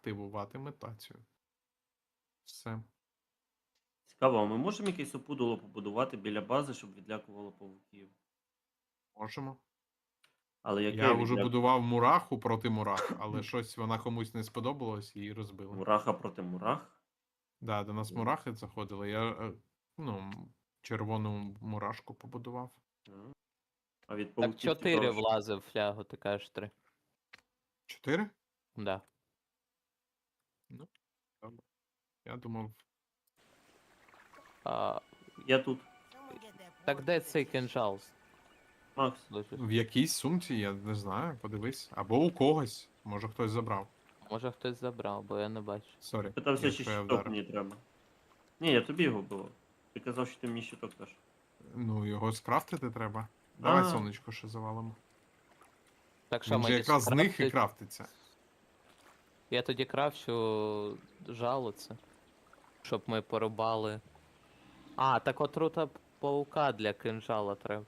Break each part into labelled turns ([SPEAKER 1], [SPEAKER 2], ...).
[SPEAKER 1] активувати метацію. Все.
[SPEAKER 2] Цікаво, а ми можемо якесь опудало побудувати біля бази, щоб відлякувало павуків?
[SPEAKER 1] Можемо.
[SPEAKER 2] Але яке
[SPEAKER 1] Я вже
[SPEAKER 2] відлякування?
[SPEAKER 1] будував мураху проти мурах, але щось вона комусь не сподобалась і її розбили.
[SPEAKER 2] Мураха проти мурах?
[SPEAKER 1] Да, до нас мурахи заходили. Я червону мурашку побудував.
[SPEAKER 2] А від
[SPEAKER 3] Так
[SPEAKER 2] павуків
[SPEAKER 3] 4
[SPEAKER 2] цікаво, що-
[SPEAKER 3] влазив в флягу, ти кажеш 3.
[SPEAKER 1] 4?
[SPEAKER 3] Да.
[SPEAKER 1] Я думав,
[SPEAKER 3] А,
[SPEAKER 2] Я тут.
[SPEAKER 3] так де цей кинжал?
[SPEAKER 2] Макс,
[SPEAKER 3] лежить?
[SPEAKER 1] в якійсь сумці, я не знаю, подивись. Або у когось. Може хтось забрав.
[SPEAKER 3] Може хтось забрав, бо я не бачу.
[SPEAKER 1] Сорі.
[SPEAKER 2] питався, чи
[SPEAKER 1] якщо я
[SPEAKER 2] щиток
[SPEAKER 1] вдарив.
[SPEAKER 2] мені треба. Ні, я тобі його було. Ти казав, що ти мені щиток даш.
[SPEAKER 1] Ну, його скрафтити треба. Давай
[SPEAKER 2] А.
[SPEAKER 1] сонечко ще завалимо.
[SPEAKER 3] Так що
[SPEAKER 1] Він же
[SPEAKER 3] мені
[SPEAKER 1] якраз з них і
[SPEAKER 3] скрафтить?
[SPEAKER 1] крафтиться.
[SPEAKER 3] Я тоді крафчу жало це. Щоб ми порубали. А, так отрута паука для кинжала треба.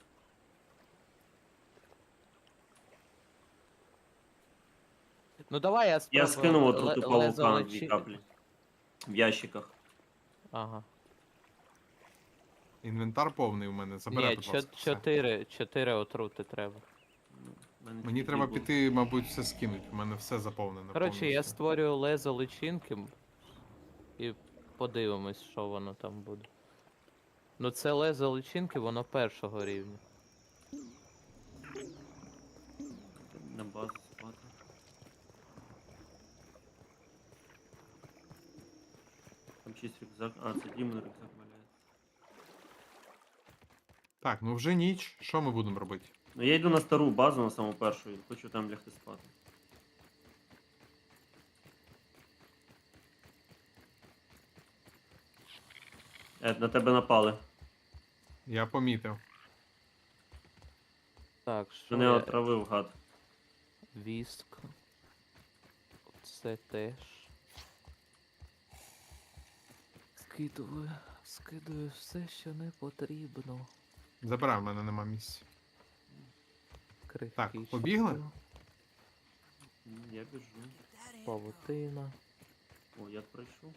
[SPEAKER 3] Ну давай я спробую.
[SPEAKER 2] Я скинув
[SPEAKER 3] ле-
[SPEAKER 2] отруту
[SPEAKER 3] лезо
[SPEAKER 2] павука
[SPEAKER 3] лечи-
[SPEAKER 2] 2 каплі. В ящиках.
[SPEAKER 3] Ага.
[SPEAKER 1] Інвентар повний у мене. Забирай,
[SPEAKER 3] Ні,
[SPEAKER 1] будь ласка. все.
[SPEAKER 3] 4 отрути треба.
[SPEAKER 2] В мене
[SPEAKER 1] Мені
[SPEAKER 2] тільки
[SPEAKER 1] треба
[SPEAKER 2] було.
[SPEAKER 1] піти, мабуть, все скинути. У мене все заповнено.
[SPEAKER 3] Коротше, я
[SPEAKER 1] повністю.
[SPEAKER 3] створюю лезо личинки і подивимось, що воно там буде. Ну це лезо личинки, воно першого рівня.
[SPEAKER 2] На базу спати. Там чийсь рюкзак. А, це Дімон рюкзак валяється.
[SPEAKER 1] Так, ну вже ніч. Що ми будемо робити?
[SPEAKER 2] Ну я йду на стару базу, на саму першу, і хочу там лягти спати. На тебе напали.
[SPEAKER 1] Я помітив.
[SPEAKER 3] Так, що
[SPEAKER 2] Мене
[SPEAKER 3] я...
[SPEAKER 2] отравив гад.
[SPEAKER 3] Віск. Це теж. Скидую все, що не потрібно.
[SPEAKER 1] Забирай, в мене нема місця. Так,
[SPEAKER 3] Крихкий
[SPEAKER 1] побігли?
[SPEAKER 3] щиток,
[SPEAKER 2] Я біжу.
[SPEAKER 3] павутина.
[SPEAKER 2] О, я пройшов.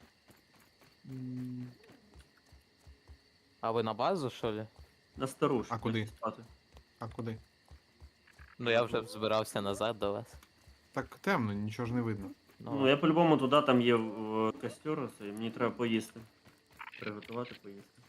[SPEAKER 3] А ви на базу, що ли?
[SPEAKER 2] На стару, щоб
[SPEAKER 1] А куди?
[SPEAKER 2] лягти спати.
[SPEAKER 1] А куди?
[SPEAKER 3] Ну я вже збирався назад до вас.
[SPEAKER 1] Так темно, нічого ж не видно.
[SPEAKER 2] Ну, я по-любому туди, там є костер, оце, і мені треба поїсти. Приготувати поїсти.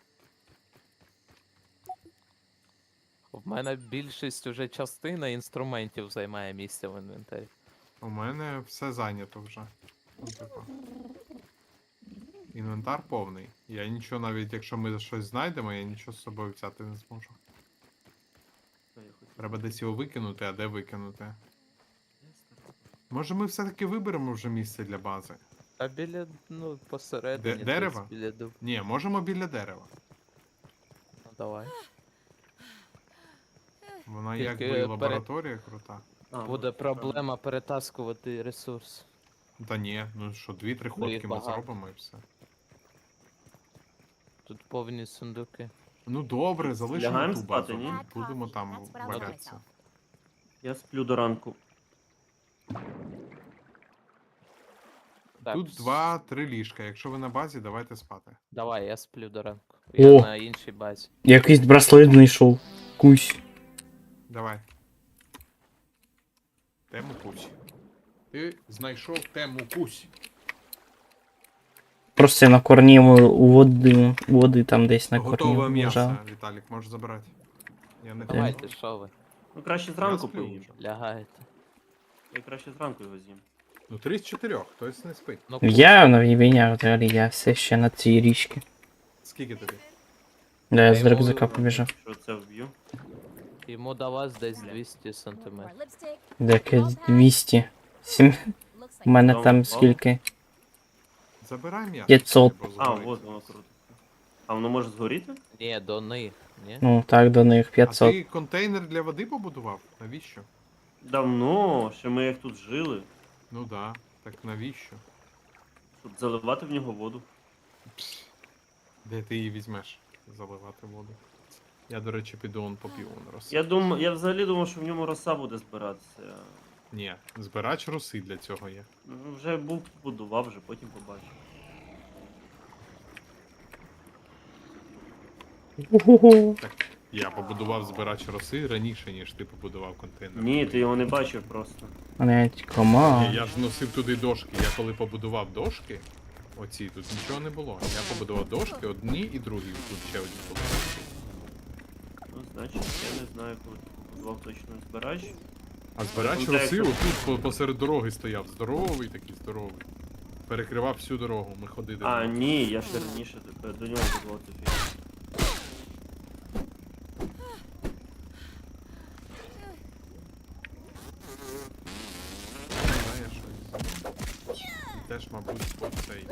[SPEAKER 3] В мене більшість уже частина інструментів займає місце в інвентарі.
[SPEAKER 1] У мене все зайнято вже. Ну, типу. Інвентар повний. Я нічого, навіть якщо ми щось знайдемо, я нічого з собою взяти не зможу.
[SPEAKER 2] Що я хотів?
[SPEAKER 1] Треба десь його викинути, а де викинути? Може ми все-таки виберемо вже місце для бази?
[SPEAKER 3] А біля, ну, посередині. десь
[SPEAKER 1] Дерева?
[SPEAKER 3] Біля дуб.
[SPEAKER 1] Ні, можемо біля дерева.
[SPEAKER 3] Ну давай.
[SPEAKER 1] Вона
[SPEAKER 3] Тільки
[SPEAKER 1] якби і
[SPEAKER 3] перед-
[SPEAKER 1] лабораторія крута.
[SPEAKER 2] А,
[SPEAKER 3] Буде
[SPEAKER 2] ну,
[SPEAKER 3] проблема перетаскувати ресурс.
[SPEAKER 1] Та ні, ну що, 2-3
[SPEAKER 3] їх
[SPEAKER 1] ходки ми
[SPEAKER 3] багато.
[SPEAKER 1] зробимо і все.
[SPEAKER 3] Тут повні сундуки.
[SPEAKER 1] Ну добре, залишимо
[SPEAKER 2] Лягаємо
[SPEAKER 1] ту
[SPEAKER 2] спати,
[SPEAKER 1] базу.
[SPEAKER 2] ні?
[SPEAKER 1] Будемо там валятися.
[SPEAKER 2] Я сплю до ранку.
[SPEAKER 3] Так,
[SPEAKER 1] Тут 2-3 ліжка. Якщо ви на базі, давайте спати.
[SPEAKER 3] Давай, я сплю до ранку.
[SPEAKER 4] О!
[SPEAKER 3] Я на іншій базі.
[SPEAKER 4] Якийсь браслет знайшов. Кусь.
[SPEAKER 1] Давай. Тему кусь. Ти знайшов тему кусь.
[SPEAKER 4] Просто на корні води там десь на корні
[SPEAKER 1] Готове м'ясо,
[SPEAKER 4] лежав.
[SPEAKER 1] Віталік, можеш забирати. Я не
[SPEAKER 3] Давайте, що ви?
[SPEAKER 2] Ну краще
[SPEAKER 1] Я
[SPEAKER 2] зранку
[SPEAKER 1] сплю
[SPEAKER 2] поїм.
[SPEAKER 1] вже.
[SPEAKER 3] Лягаєте.
[SPEAKER 2] Я краще зранку його з'їм.
[SPEAKER 1] Ну 3 з 4, хтось не спить.
[SPEAKER 3] Ну,
[SPEAKER 4] Я на війня взагалі, я все ще на цій річці.
[SPEAKER 1] Скільки тобі?
[SPEAKER 4] Да, я з
[SPEAKER 3] йому
[SPEAKER 4] рюкзака
[SPEAKER 3] вибрав.
[SPEAKER 4] побіжав.
[SPEAKER 2] Що це вб'ю?
[SPEAKER 3] йому до вас десь 200 сантиметрів.
[SPEAKER 4] Деяке 200. У мене
[SPEAKER 2] Там
[SPEAKER 4] там
[SPEAKER 2] впав?
[SPEAKER 4] скільки?
[SPEAKER 1] Забирай м'ясо.
[SPEAKER 4] 500.
[SPEAKER 1] бо
[SPEAKER 2] А,
[SPEAKER 1] згорить.
[SPEAKER 2] от воно круто. А воно може згоріти?
[SPEAKER 3] Ні, до них, ні?
[SPEAKER 4] Ну так, до них
[SPEAKER 1] А
[SPEAKER 4] 500.
[SPEAKER 1] ти контейнер для води побудував? Навіщо?
[SPEAKER 2] Давно, ще ми як тут жили.
[SPEAKER 1] Ну да. Так навіщо?
[SPEAKER 2] Щоб заливати в нього воду.
[SPEAKER 1] Пс. Де ти її візьмеш? Заливати воду. Я, до речі, піду он поп'ю он роса.
[SPEAKER 2] Я взагалі думав, що в ньому роса буде збиратися.
[SPEAKER 1] Ні, збирач роси для цього є.
[SPEAKER 2] Ну, вже був, будував, вже потім побачив.
[SPEAKER 4] Ого.
[SPEAKER 1] Я побудував збирач роси раніше, ніж ти побудував контейнер.
[SPEAKER 2] Ні, ти його не бачив просто.
[SPEAKER 4] Блять,
[SPEAKER 1] Ні,
[SPEAKER 4] комар.
[SPEAKER 1] я ж носив туди дошки. Я коли побудував дошки, оці тут нічого не було. Я побудував дошки, одні і другі. Тут ще одні були.
[SPEAKER 2] Ну, значить, я не знаю, коли ти побудував точно збирач.
[SPEAKER 1] А збирач
[SPEAKER 2] Пам'ятаю,
[SPEAKER 1] роси
[SPEAKER 2] що-
[SPEAKER 1] отут посеред дороги стояв. Здоровий такий, здоровий. Перекривав всю дорогу, ми ходили.
[SPEAKER 2] А, ні, я ще раніше до нього будував цю фігню.
[SPEAKER 1] Да, я щось. Теж, мабуть, оцей.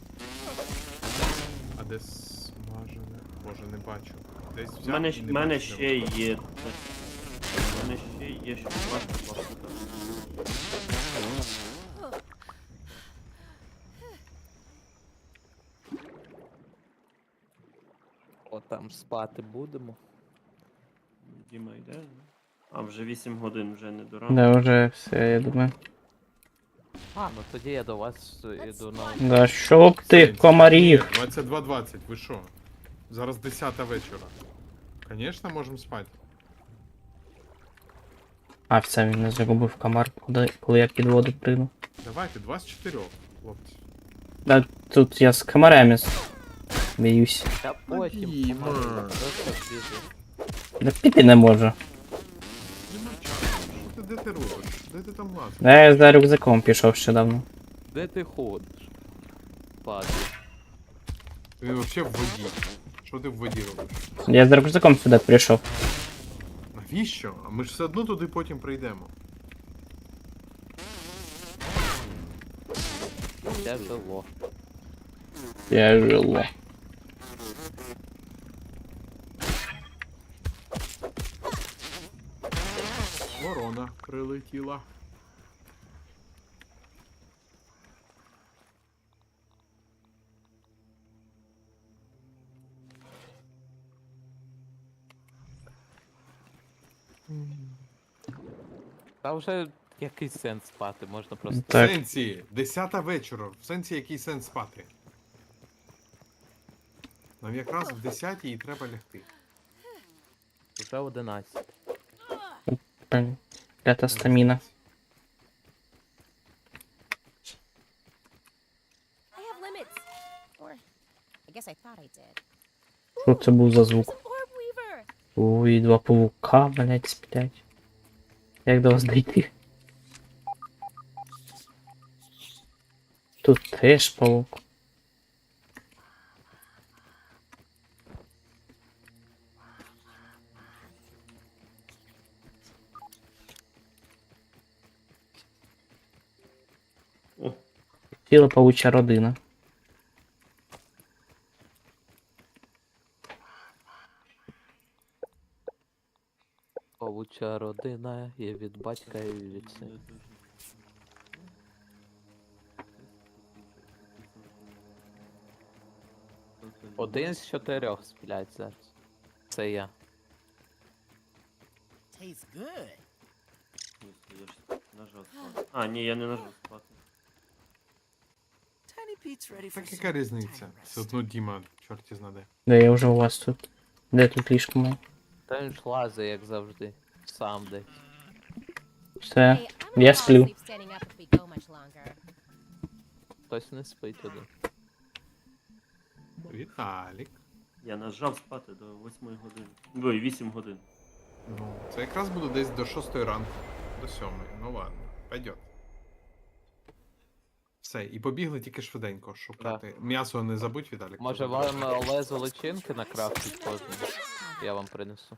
[SPEAKER 1] А де смажене? Боже, не бачу. Десь взяв
[SPEAKER 2] У мене,
[SPEAKER 1] і не
[SPEAKER 2] в мене
[SPEAKER 1] бачу, де
[SPEAKER 2] ще є. У мене ще є, що важко.
[SPEAKER 3] О, там спати будемо.
[SPEAKER 2] Діма йде. А, вже 8 годин, вже не до ранку.
[SPEAKER 4] Да, вже все, я думаю.
[SPEAKER 3] А, ну тоді я до вас іду на.
[SPEAKER 4] Да щоб ти,
[SPEAKER 1] Сенсі.
[SPEAKER 4] комарів.
[SPEAKER 1] Ні, 22:20, ви що? Зараз 10 вечора. Конечно, можемо спати.
[SPEAKER 4] А, все, він не загубив комар, коли я під воду прийду.
[SPEAKER 1] Давайте, 2 з 4, хлопці.
[SPEAKER 4] Да, тут я з комарами б'юсь.
[SPEAKER 3] Та потім.
[SPEAKER 1] Діма.
[SPEAKER 3] помалу, просто біжу.
[SPEAKER 4] Да піти не можу.
[SPEAKER 1] Нема часу. Що ти, де ти робиш? Де ти там лазиш?
[SPEAKER 4] Да, я за рюкзаком пішов ще давно.
[SPEAKER 3] Де ти ходиш? Падаю.
[SPEAKER 1] Ти взагалі в воді. Що ти в воді робиш?
[SPEAKER 4] Я з рюкзаком сюди прийшов.
[SPEAKER 1] Навіщо? А ми ж все одно туди потім прийдемо.
[SPEAKER 3] Тяжело.
[SPEAKER 4] Тяжело.
[SPEAKER 1] Ворона прилетіла.
[SPEAKER 3] Та вже який сенс спати, можна просто.
[SPEAKER 1] В
[SPEAKER 4] Так.
[SPEAKER 1] сенсі, 10 вечора. В сенсі який сенс спати? Нам якраз в 10 і треба лягти.
[SPEAKER 3] Вже 11.
[SPEAKER 4] Блін, клята стаміна.
[SPEAKER 5] I have limits. Or I guess I thought I did.
[SPEAKER 4] Що це був за звук?
[SPEAKER 5] There's an orb weaver.
[SPEAKER 4] Ой, два павука, блять, сплять. Як до вас дійти? Тут теж павук.
[SPEAKER 2] О,
[SPEAKER 4] Ціла павуча родина.
[SPEAKER 3] Павуча родина є від батька і від сина. Один з 4 сплять зараз. Це я.
[SPEAKER 6] Tastes good.
[SPEAKER 2] ні, я ж нажав спати. А, ні, я не нажав спати.
[SPEAKER 6] Tiny Pete's ready for
[SPEAKER 1] Так
[SPEAKER 6] some
[SPEAKER 1] яка різниця?
[SPEAKER 6] time
[SPEAKER 1] Все
[SPEAKER 6] rest.
[SPEAKER 1] одно Діма, чорті знаде.
[SPEAKER 4] Де я вже у вас тут? Де тут ліжко моє?
[SPEAKER 3] Та він ж лазить, як завжди. Сам десь.
[SPEAKER 4] Все.
[SPEAKER 5] Hey, I'm gonna
[SPEAKER 4] Я
[SPEAKER 5] fall
[SPEAKER 4] сплю.
[SPEAKER 5] asleep standing up if we go much longer.
[SPEAKER 3] Хтось не спить один.
[SPEAKER 1] Віталік.
[SPEAKER 2] Я нажав спати до 8 години. Ой, 8 годин.
[SPEAKER 1] Ну, це якраз буде десь до 6 ранку. До 7. Ну ладно, пойдет. Все, і побігли тільки швиденько шукати. М'ясо не забудь, Віталік.
[SPEAKER 3] Може вам лезо личинки накрафтить кожному? Я вам принесу.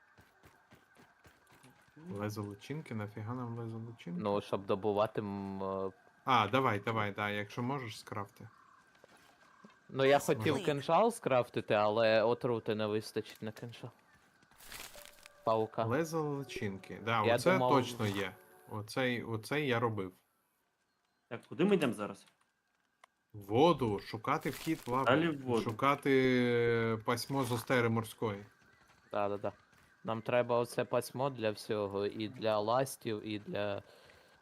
[SPEAKER 1] Лезо лучинки, нафіга нам лезо лучинки?
[SPEAKER 3] Ну, щоб добувати.
[SPEAKER 1] А, давай, да, якщо можеш, скрафти.
[SPEAKER 3] Ну я хотів кинжал скрафтити, але отрути не вистачить на кинжал. Паука.
[SPEAKER 1] Лезо лучинки. Да,
[SPEAKER 3] Я
[SPEAKER 1] оце
[SPEAKER 3] думав-
[SPEAKER 1] точно є. Оцей я робив.
[SPEAKER 2] Так, куди ми йдемо зараз?
[SPEAKER 1] Воду, шукати вхід в лаву.
[SPEAKER 2] Далі в воду.
[SPEAKER 1] Шукати пасьмо з остери морської.
[SPEAKER 3] Да. Нам треба оце пасьмо для всього, і для ластів, і для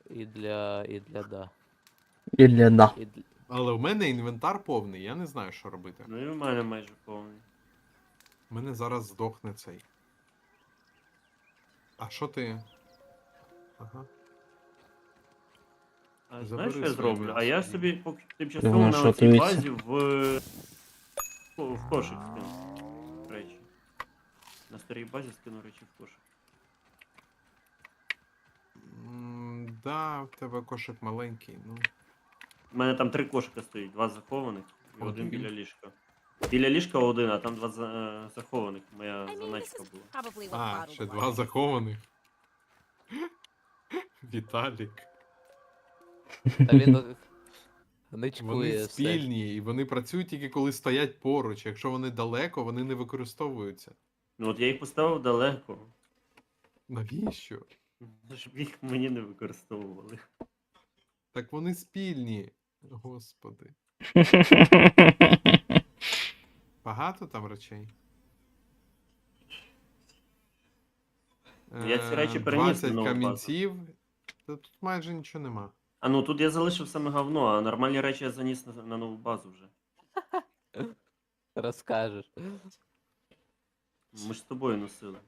[SPEAKER 3] І для да.
[SPEAKER 4] Ілля да.
[SPEAKER 3] І для...
[SPEAKER 1] Але у мене інвентар повний, я не знаю, що робити.
[SPEAKER 2] Ну і в мене майже повний.
[SPEAKER 1] У мене зараз здохне цей. А що ти? Ага.
[SPEAKER 2] А
[SPEAKER 1] Забери
[SPEAKER 2] знаєш, що я
[SPEAKER 1] своє
[SPEAKER 2] зроблю? А
[SPEAKER 1] м'ясо.
[SPEAKER 2] я собі поки тимчасово
[SPEAKER 4] Думаю,
[SPEAKER 2] на
[SPEAKER 4] що
[SPEAKER 2] цій
[SPEAKER 4] дивиться.
[SPEAKER 2] базі в кошик скину речі. На старій базі скину речі в кошик.
[SPEAKER 1] Да, в тебе кошик маленький, ну.
[SPEAKER 2] У мене там 3 кошика стоїть, 2 захованих і один
[SPEAKER 1] Один.
[SPEAKER 2] біля ліжка. Біля ліжка один, а там 2 захованих. Моя
[SPEAKER 5] I mean, this
[SPEAKER 2] заначка
[SPEAKER 5] is
[SPEAKER 2] була.
[SPEAKER 5] probably what
[SPEAKER 1] А,
[SPEAKER 5] bottled
[SPEAKER 1] ще
[SPEAKER 5] wine
[SPEAKER 1] два
[SPEAKER 5] is.
[SPEAKER 1] захованих. Віталік.
[SPEAKER 3] Та він
[SPEAKER 1] Вони
[SPEAKER 3] ничкує все.
[SPEAKER 1] спільні, і вони працюють тільки коли стоять поруч. Якщо вони далеко, вони не використовуються.
[SPEAKER 2] Ну от я їх поставив далеко,
[SPEAKER 1] Навіщо?
[SPEAKER 2] щоб їх мені не використовували.
[SPEAKER 1] Так вони спільні. Господи. Багато там речей?
[SPEAKER 2] Я ці речі переніс
[SPEAKER 1] 20
[SPEAKER 2] на нову базу.
[SPEAKER 1] камінців. Та тут майже нічого нема.
[SPEAKER 2] А ну тут я залишив саме говно, а нормальні речі я заніс на нову базу вже.
[SPEAKER 3] Розкажеш.
[SPEAKER 2] Ми ж з тобою носили.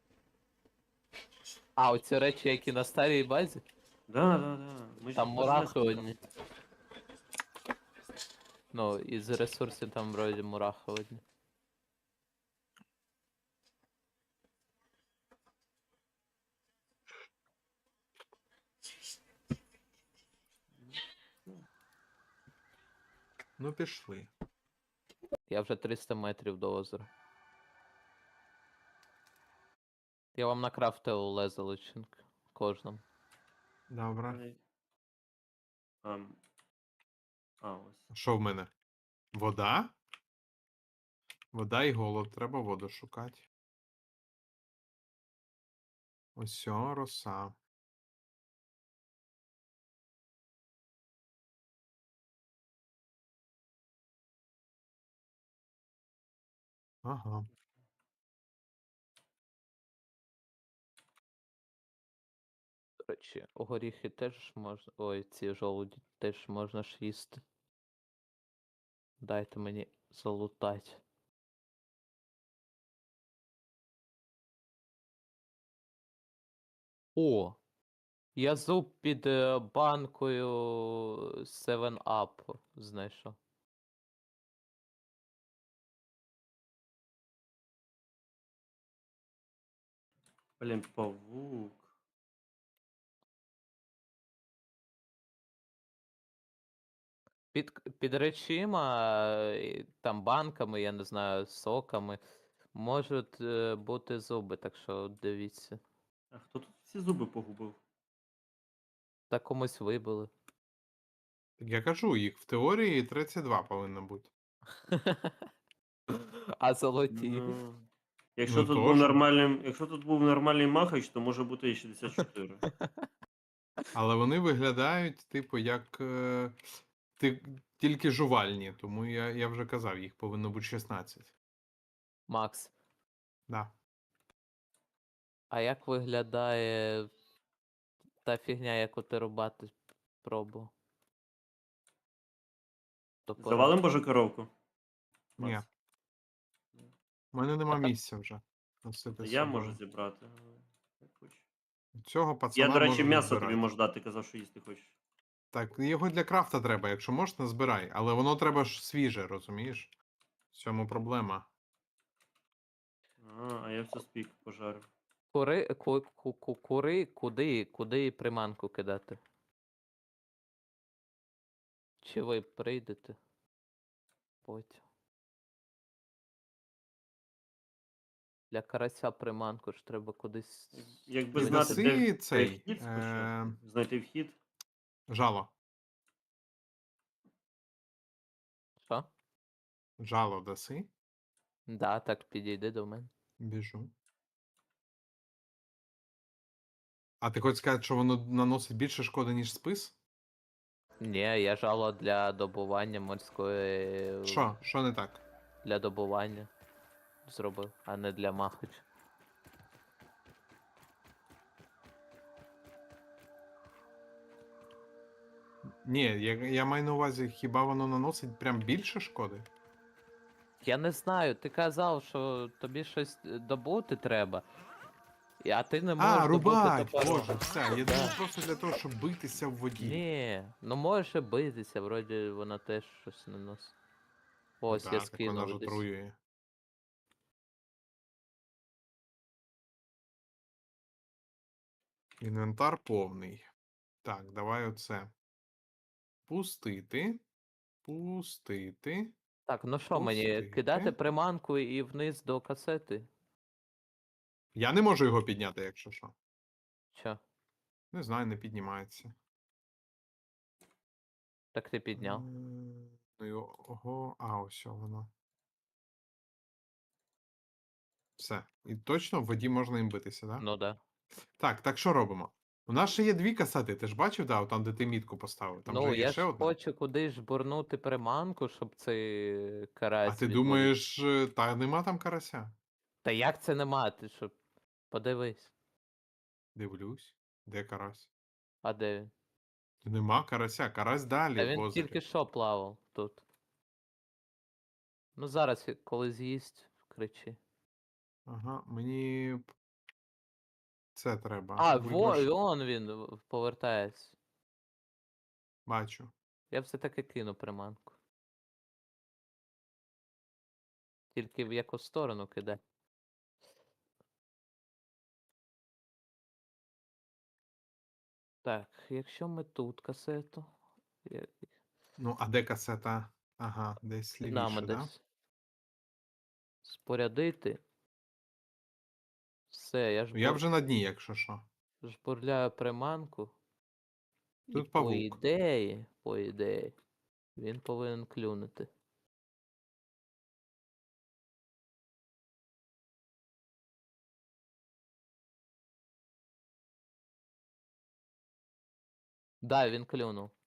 [SPEAKER 3] А, оці речі, які на старій базі?
[SPEAKER 2] Да. Ми ж
[SPEAKER 3] Там
[SPEAKER 2] їх
[SPEAKER 3] мурахи
[SPEAKER 2] рознесли.
[SPEAKER 3] одні. Ну, із ресурсів там вроді мурахи одні.
[SPEAKER 1] Ну пішли.
[SPEAKER 3] Я вже 300 метрів до озера. Я вам накрафтив лезо личинки. Кожному.
[SPEAKER 1] Добре.
[SPEAKER 2] Ось.
[SPEAKER 1] Що в мене? Вода? Вода і голод. Треба воду шукати. Ось о, роса. Ага.
[SPEAKER 3] До речі, горіхи теж можна. Ой, ці жолуді теж можна ж їсти. Дайте мені залутать. О! Я зуб під банкою 7-Up знайшов.
[SPEAKER 2] Блін, павук.
[SPEAKER 3] Під речима, там банками, я не знаю, соками, можуть бути зуби, так що дивіться.
[SPEAKER 2] А хто тут всі зуби погубив?
[SPEAKER 3] Та комусь вибили.
[SPEAKER 1] Так я кажу, їх в теорії 32 повинно бути.
[SPEAKER 3] А золоті.
[SPEAKER 2] Ну, якщо
[SPEAKER 1] Ну,
[SPEAKER 2] тут
[SPEAKER 1] тож.
[SPEAKER 2] був нормальним, якщо тут був нормальний махач, то може бути і 64.
[SPEAKER 1] Але вони виглядають, типу, як тільки жувальні, тому я вже казав, їх повинно бути 16.
[SPEAKER 3] Макс,
[SPEAKER 1] Да.
[SPEAKER 3] а як виглядає та фігня, яку ти рубати пробував? Топором.
[SPEAKER 2] Завалим божу коровку?
[SPEAKER 1] Ні.
[SPEAKER 2] Макс?
[SPEAKER 1] У мене нема
[SPEAKER 3] А так-
[SPEAKER 1] місця вже. Носити
[SPEAKER 2] Та
[SPEAKER 1] з
[SPEAKER 2] я
[SPEAKER 1] собою.
[SPEAKER 2] можу зібрати. Як хочеш.
[SPEAKER 1] Цього пацана
[SPEAKER 2] Я, до речі,
[SPEAKER 1] можу
[SPEAKER 2] м'ясо
[SPEAKER 1] назбирати.
[SPEAKER 2] тобі можу дати, казав, що їсти хочеш.
[SPEAKER 1] Так, його для крафта треба, якщо можеш, назбирай. Але воно треба ж свіже, розумієш? В цьому проблема.
[SPEAKER 2] А я все спік пожарив.
[SPEAKER 3] Куди приманку кидати? Чи ви прийдете? Потім. Для карася приманку ж треба кудись.
[SPEAKER 2] Якби
[SPEAKER 1] Ти
[SPEAKER 2] знати,
[SPEAKER 1] даси
[SPEAKER 2] де
[SPEAKER 1] цей,
[SPEAKER 2] вхід спочатку. Знайти вхід.
[SPEAKER 1] Жало.
[SPEAKER 3] Що?
[SPEAKER 1] Жало даси.
[SPEAKER 3] Да, так підійди до мене.
[SPEAKER 1] Біжу. А ти хочеш сказати, що воно наносить більше шкоди, ніж спис?
[SPEAKER 3] Ні, я жало для добування морської.
[SPEAKER 1] Що? Що не так?
[SPEAKER 3] Для добування зробив, а не для махача.
[SPEAKER 1] Ні, я маю на увазі, хіба воно наносить прям більше шкоди?
[SPEAKER 3] Я не знаю, ти казав, що тобі щось добути треба. А ти не можеш
[SPEAKER 1] А,
[SPEAKER 3] добути
[SPEAKER 1] рубать!
[SPEAKER 3] топором.
[SPEAKER 1] Боже, все. Я
[SPEAKER 3] Да.
[SPEAKER 1] думав просто для того, щоб битися в воді.
[SPEAKER 3] Ні, ну можеш і битися, вроді вона теж щось не носить.
[SPEAKER 1] Ну
[SPEAKER 3] Ось я
[SPEAKER 1] так, так вона ж
[SPEAKER 3] скинув десь.
[SPEAKER 1] отруює. Інвентар повний. Так, давай оце. Пустити. Пустити.
[SPEAKER 3] Так, ну що мені, кидати
[SPEAKER 1] Пустити.
[SPEAKER 3] приманку і вниз до касети?
[SPEAKER 1] Я не можу його підняти, якщо що.
[SPEAKER 3] Що?
[SPEAKER 1] Не знаю, не піднімається.
[SPEAKER 3] Так ти підняв.
[SPEAKER 1] Ну і ого, а ось воно. Все. І точно в воді можна їм битися, так?
[SPEAKER 3] Ну да.
[SPEAKER 1] Так що робимо? У нас ще є дві касети, ти ж бачив, да, там, де ти мітку поставив. Там
[SPEAKER 3] Ну,
[SPEAKER 1] же є
[SPEAKER 3] я
[SPEAKER 1] ще
[SPEAKER 3] ж
[SPEAKER 1] одна.
[SPEAKER 3] хочу кудись жбурнути приманку, щоб цей
[SPEAKER 1] А
[SPEAKER 3] карась
[SPEAKER 1] ти
[SPEAKER 3] відловив.
[SPEAKER 1] думаєш, та нема там карася?
[SPEAKER 3] Та як це нема? Ти що? Подивись.
[SPEAKER 1] Дивлюсь. Де карась?
[SPEAKER 3] А де він?
[SPEAKER 1] Нема карася, карась далі
[SPEAKER 3] Та
[SPEAKER 1] в
[SPEAKER 3] він
[SPEAKER 1] озері.
[SPEAKER 3] тільки що плавав тут. Ну зараз, коли з'їсть, кричи.
[SPEAKER 1] Ага, мені це треба.
[SPEAKER 3] А,
[SPEAKER 1] Виброш...
[SPEAKER 3] вон він повертається.
[SPEAKER 1] Бачу.
[SPEAKER 3] Я все-таки кину приманку. Тільки в яку сторону кидай. Так, якщо ми тут касету. я-
[SPEAKER 1] Ну, а де касета? Ага, десь
[SPEAKER 3] Під нами
[SPEAKER 1] лівіше, да?
[SPEAKER 3] десь. Спорядити. Все, я
[SPEAKER 1] Я вже на дні, якщо що.
[SPEAKER 3] жбурляю приманку. І
[SPEAKER 1] Тут
[SPEAKER 3] по
[SPEAKER 1] павук.
[SPEAKER 3] ідеї, він повинен клюнути. Да, він клюнув.